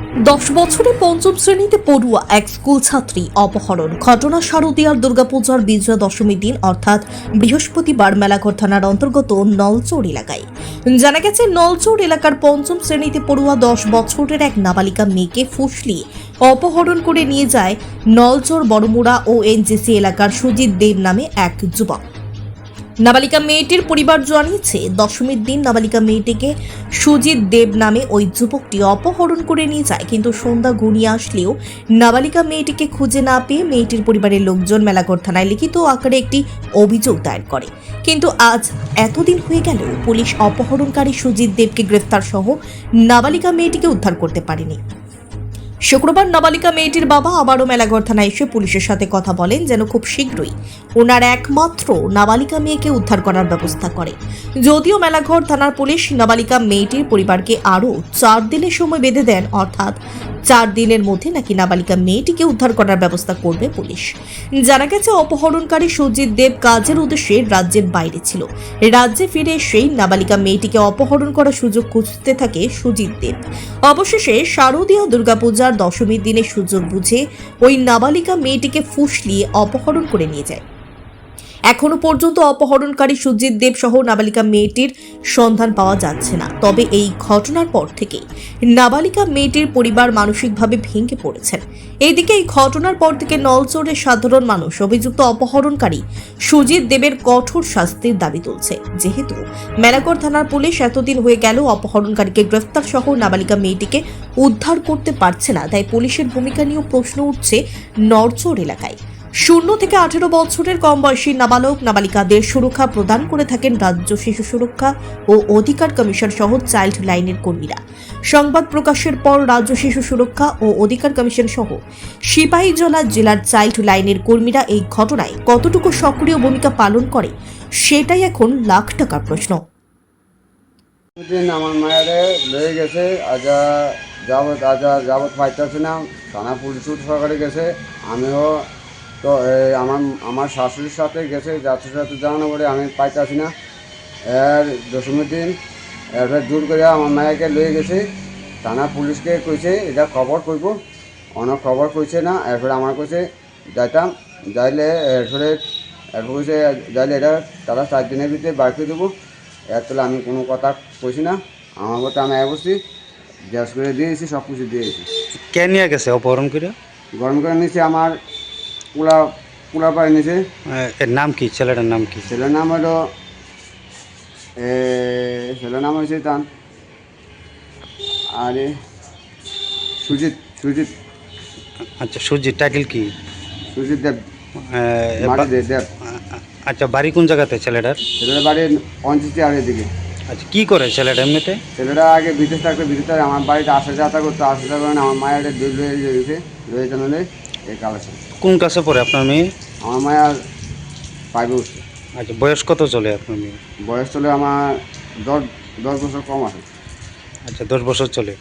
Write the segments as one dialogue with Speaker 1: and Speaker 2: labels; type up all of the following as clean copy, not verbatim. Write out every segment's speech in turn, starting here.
Speaker 1: 10 বছরে পঞ্চম শ্রেণীতে পড়ুয়া এক স্কুল ছাত্রী অপহরণ। ঘটনা শারদীয়ার দুর্গাপূজার বিজয়া দশমীর দিন অর্থাৎ বৃহস্পতিবার মেলাঘর থানার অন্তর্গত নলচৌর এলাকায়। জানা গেছে, নলচৌর এলাকার পঞ্চম শ্রেণীতে পড়ুয়া 10 বছরের এক নাবালিকা মেয়েকে ফুসলিয়ে অপহরণ করে নিয়ে যায় নলচৌর বড়মুড়া ও এনজেসি এলাকার সুজিত দেব নামে এক যুবক। নাবালিকা মেয়েটির পরিবার জানিয়েছে, দশমীর দিন নাবালিকা মেয়েটিকে সুজিত দেব নামে ওই যুবকটি অপহরণ করে নিয়ে যায়, কিন্তু সন্ধ্যা ঘনিয়ে আসলেও নাবালিকা মেয়েটিকে খুঁজে না পেয়ে মেয়েটির পরিবারের লোকজন মেলাঘর থানায় লিখিত আকারে একটি অভিযোগ দায়ের করে। কিন্তু আজ এতদিন হয়ে গেল পুলিশ অপহরণকারী সুজিত দেবকে গ্রেফতার সহ নাবালিকা মেয়েটিকে উদ্ধার করতে পারেনি। শুক্রবার নাবালিকা মেয়েটির বাবা আবারও মেলাঘর থানায় এসে পুলিশের সাথে কথা বলেন যেন খুব শীঘ্রই ওনার একমাত্র নাবালিকা মেয়েকে উদ্ধার করার ব্যবস্থা করে। যদিও মেলাঘর থানার পুলিশ নাবালিকা মেয়েটির পরিবারকে আরও 4 দিনের সময় বেঁধে দেন, অর্থাৎ 4 দিনের মধ্যে নাকি নাবালিকা মেয়েটিকে উদ্ধার করার ব্যবস্থা করবে পুলিশ। জানা গেছে, অপহরণকারী সুজিত দেব কাজের উদ্দেশ্যে রাজ্যের বাইরে ছিল। রাজ্যে ফিরে এসেই নাবালিকা মেয়েটিকে অপহরণ করার সুযোগ খুঁজতে থাকে সুজিত দেব। অবশেষে শারদীয় দুর্গাপূজার দশমীর দিনে সুযোগ বুঝে ওই নাবালিকা মেয়েটিকে ফুসলিয়ে অপহরণ করে নিয়ে যায়। এখনো পর্যন্ত অপহরণকারী সুজিত দেব সহ নাবালিকা মেয়েটির সন্ধান পাওয়া যাচ্ছে না। তবে এই ঘটনার পর থেকে নাবালিকা মেয়েটির পরিবার মানসিকভাবে ভেঙে পড়েছেন। এইদিকে এই ঘটনার পর থেকে নলচৌরের সাধারণ মানুষ অভিযুক্ত অপহরণকারী সুজিত দেবের কঠোর শাস্তির দাবি তুলছে। যেহেতু মেলাঘর থানার পুলিশ এতদিন হয়ে গেল অপহরণকারীকে গ্রেফতার সহ নাবালিকা মেয়েটিকে উদ্ধার করতে পারছে না, তাই পুলিশের ভূমিকা নিয়েও প্রশ্ন উঠছে নলচৌর এলাকায়। 0 থেকে 18 বছরের কম বয়সী নাবালক নাবালিকাদের সুরক্ষা প্রদান করে থাকেন রাজ্য শিশু সুরক্ষা ও অধিকার কমিশন সহ চাইল্ড লাইনের কর্মীরা। সংবাদ প্রকাশের পর রাজ্য শিশু সুরক্ষা ও অধিকার কমিশন সহ সিপাহীজলা জেলার চাইল্ড লাইনের কর্মীরা এই ঘটনায় কতটুকু সক্রিয় ভূমিকা পালন করে, সেটাই এখন লাখ টাকার প্রশ্ন।
Speaker 2: আমার মায়েরে লয়ে গেছে যাবত পাইতেছে না, থানা পুলিশ সরকারে গেছে। আমিও তো আমার শাশুড়ির সাথে গেছে, যাত্রীর সাথে জানানো পরে আমি পাইতেছি না। এর দশমীর দিন এরপরে জোর করে আমার মায়েকে লয়ে গেছে। থানা পুলিশকে কইছে এটা খবর করব, অনেক খবর কইছে না। এরপরে আমার কইছে যাইতাম, যাইলে এরপরে কইছে যাইলে এটা তারা 4 দিনের ভিতরে বার করে দেবো। এর তোলে আমি কোনো কথা কইছি না। আমার মতো আমি বসছি, গ্যাস করে দিয়েছি, সব কিছু দিয়েছি।
Speaker 3: কে নিয়ে গেছে অপহরণ করে?
Speaker 2: গরম করে নিয়েছে আমার পোলা পাড়ে নিয়েছে।
Speaker 3: এর নাম কি? ছেলেটার নাম কি?
Speaker 2: ছেলের নাম হলো হয়েছে তান আরে সুজিত।
Speaker 3: আচ্ছা, সুজিত। টাইটেল কি?
Speaker 2: সুজিত দেব। দেব।
Speaker 3: আচ্ছা, বাড়ি কোন জায়গাতে ছেলেটার?
Speaker 2: ছেলেটার বাড়ি অঞ্চিতি আর এদিকে।
Speaker 3: আচ্ছা, কি করে ছেলেটা এমনিতে? ছেলেটা
Speaker 2: আগে বিদেশ থাকতো, বিদেশে আমার বাড়িতে আসা যাতা করতো। আসা যাওয়ার কারণে আমার মায়ের রয়ে জানালে এই কালেকশন।
Speaker 3: কোন ক্লাসে পড়ে আপনার মেয়ে?
Speaker 2: আমার মায়ের 5 উঠছে।
Speaker 3: আচ্ছা, বয়স কত চলে আপনার মেয়ে?
Speaker 2: বয়স চলে আমার 10 বছর কম আছে।
Speaker 3: আচ্ছা, 10 বছর চলে।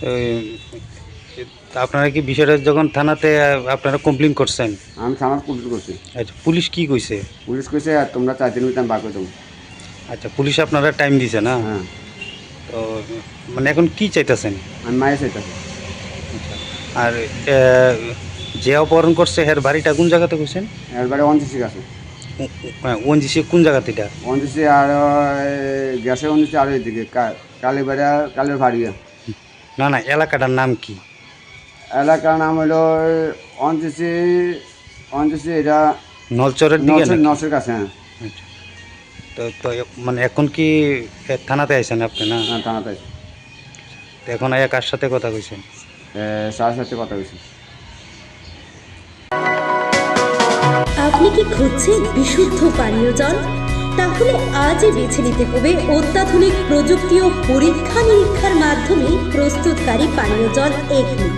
Speaker 3: আপনারা কি বিষয়টা যখন থানাতে আপনারা কমপ্লেন করছেন?
Speaker 2: আমি থানার পুলিশ করছি।
Speaker 3: আচ্ছা, পুলিশ কি কইছে?
Speaker 2: পুলিশ কইছে আর তোমরা 4 দিনের ভিতরে আমি বার করে দেবো।
Speaker 3: আচ্ছা, পুলিশ আপনারা টাইম দিছে না?
Speaker 2: হ্যাঁ।
Speaker 3: তো মানে এখন কি চাইতেছেন?
Speaker 2: আমি মায়ের চাইতেছি।
Speaker 3: আচ্ছা, আর যে অপহরণ করছে এর বাড়িটা কোন জায়গাতে কইছেন?
Speaker 2: এর বাড়ি অঞ্চিসি আছে।
Speaker 3: ওনজিসি কোন জায়গাতে এটা?
Speaker 2: অঞ্চিসি আর গ্যাসে অঞ্চিসি আর এদিকে কালের ভাড়িয়া।
Speaker 3: না, এলাকাটার নাম কি?
Speaker 2: এলাকার নাম হলো অঞ্চিসি এটা
Speaker 3: নলচরের দিকে?
Speaker 2: নলচরের কাছে। হ্যাঁ।
Speaker 3: আচ্ছা, তো মানে এখন কি থানাতে আইছেন আপনি? না,
Speaker 2: থানাতে আইছি।
Speaker 3: তো এখন আয়া কার সাথে কথা কইছেন?
Speaker 2: স্যারের সাথে কথা কইছি।
Speaker 4: আপনি কি খুঁজছেন বিশুদ্ধ পানীয় জল? তাহলে আজই বেছে নিতে হবে অত্যাধুনিক প্রযুক্তি ও পরীক্ষা নিরীক্ষার মাধ্যমে প্রস্তুতকারী পানীয় জল একমি।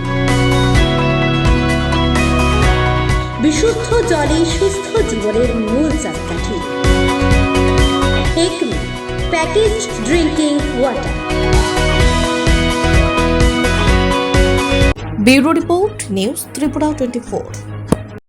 Speaker 4: বিশুদ্ধ জলে সুস্থ জীবনের মূল চাকাঠি। Acme packaged drinking water.
Speaker 1: Bureau report, news Tripura 24।